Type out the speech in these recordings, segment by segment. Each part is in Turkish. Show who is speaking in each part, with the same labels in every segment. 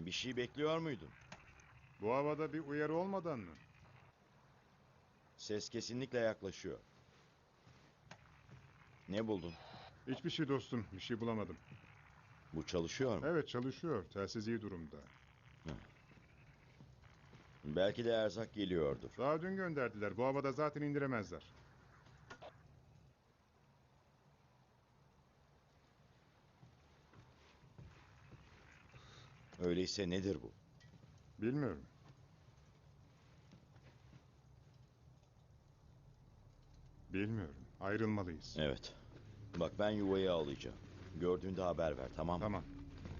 Speaker 1: Bir şey bekliyor muydun?
Speaker 2: Bu havada bir uyarı olmadan mı?
Speaker 1: Ses kesinlikle yaklaşıyor. Ne buldun?
Speaker 2: Hiçbir şey dostum, bir şey bulamadım.
Speaker 1: Bu çalışıyor mu?
Speaker 2: Evet çalışıyor, telsiz iyi durumda.
Speaker 1: Belki de erzak geliyordur.
Speaker 2: Daha dün gönderdiler, bu havada zaten indiremezler.
Speaker 1: Öyleyse nedir bu?
Speaker 2: Bilmiyorum. Bilmiyorum, ayrılmalıyız.
Speaker 1: Evet. Bak ben yuvayı alacağım. Gördüğünde haber ver, tamam mı?
Speaker 2: Tamam.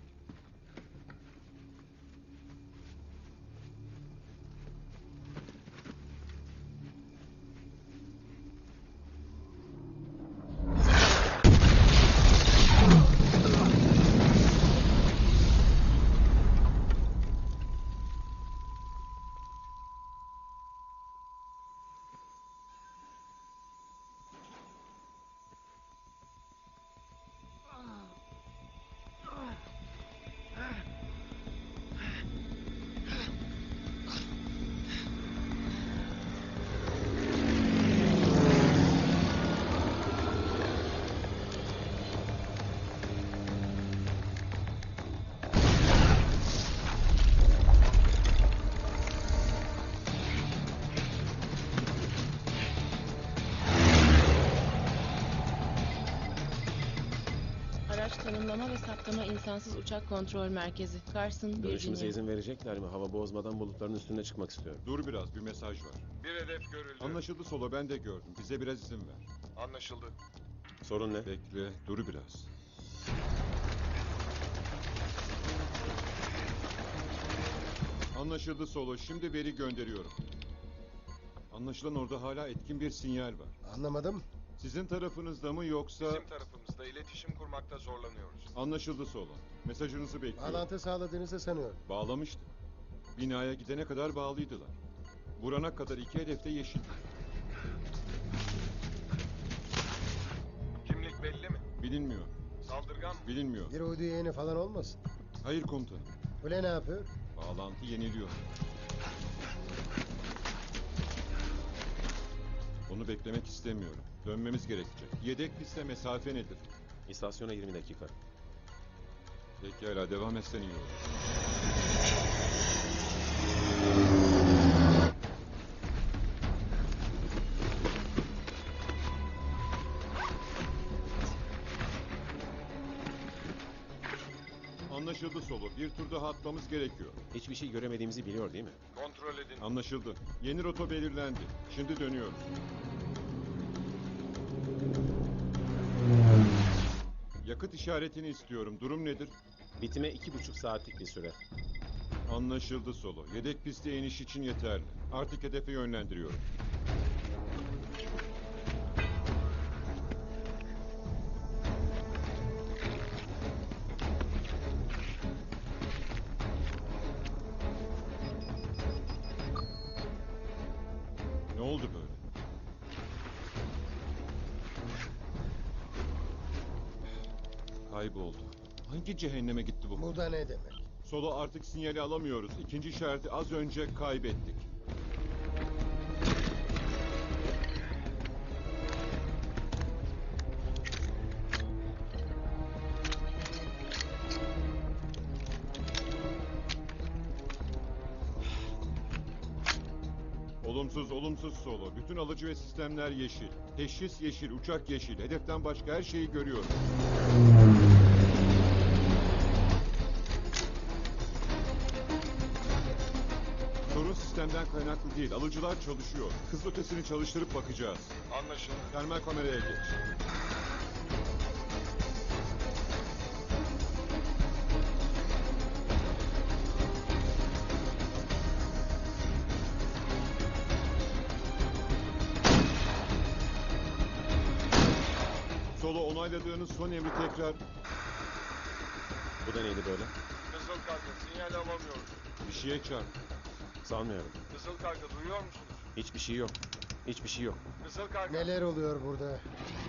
Speaker 3: Araç tanımlama ve saptama insansız uçak kontrol merkezi. Carson,
Speaker 4: Görüşümüze
Speaker 3: Virginia.
Speaker 4: izin verecekler mi? Hava bozmadan bulutların üstüne çıkmak istiyorum.
Speaker 5: Dur biraz, bir mesaj var.
Speaker 6: Bir hedef görüldü.
Speaker 5: Anlaşıldı Solo, ben de gördüm. Bize biraz izin ver.
Speaker 6: Anlaşıldı.
Speaker 4: Sorun ne?
Speaker 5: Bekle, dur biraz. Anlaşıldı Solo, şimdi veri gönderiyorum. Anlaşılan orada hala etkin bir sinyal var.
Speaker 7: Anlamadım.
Speaker 5: Sizin tarafınızda mı yoksa...
Speaker 6: Bizim tarafımızda iletişim kurmakta zorlanıyoruz.
Speaker 5: Anlaşıldı Solo. Mesajınızı bekliyorum.
Speaker 7: Bağlantı sağladığınızı sanıyorum.
Speaker 5: Bağlamıştı. Binaya gidene kadar bağlıydılar. Vurana kadar iki hedefte yeşil.
Speaker 6: Kimlik belli mi?
Speaker 5: Bilinmiyor.
Speaker 6: Saldırgan mı?
Speaker 5: Bilinmiyor.
Speaker 7: Bir uydu yeğeni falan olmasın.
Speaker 5: Hayır komutanım.
Speaker 7: Kule ne yapıyor?
Speaker 5: Bağlantı yeniliyor. Bunu beklemek istemiyorum. Dönmemiz gerekecek. Yedek piste mesafe nedir?
Speaker 4: İstasyona 20 dakika.
Speaker 5: Pekala devam etsen iyi olur. Anlaşıldı Solo. Bir tur daha atmamız gerekiyor.
Speaker 4: Hiçbir şey göremediğimizi biliyor değil mi?
Speaker 6: Kontrol edin.
Speaker 5: Anlaşıldı. Yeni rota belirlendi. Şimdi dönüyoruz. Yakıt işaretini istiyorum. Durum nedir?
Speaker 4: Bitime 2,5 saatlik bir süre.
Speaker 5: Anlaşıldı Solo. Yedek piste iniş için yeterli. Artık hedefe yönlendiriyorum. Ne oldu böyle? Kayboldu. Hangi cehenneme gitti bu?
Speaker 7: Bu da ne demek?
Speaker 5: Solo artık sinyali alamıyoruz. İkinci işareti az önce kaybettik. Olumsuz, olumsuz Solo. Bütün alıcı ve sistemler yeşil. Teşhis yeşil, uçak yeşil. Hedeften başka her şeyi görüyorum. Sorun sistemden kaynaklı değil. Alıcılar çalışıyor. Hız ötesini çalıştırıp bakacağız.
Speaker 6: Anlaşıldı.
Speaker 5: Termal kameraya geç. Solo onayladığınız son emri tekrar...
Speaker 4: Bu da neydi böyle?
Speaker 6: Kızıl Karga sinyal alamıyoruz.
Speaker 5: Bir şeye çarp.
Speaker 4: Sanmıyorum.
Speaker 6: Kızıl Karga duyuyor musunuz?
Speaker 4: Hiçbir şey yok. Hiçbir şey yok.
Speaker 6: Kızıl Karga.
Speaker 7: Neler oluyor burada?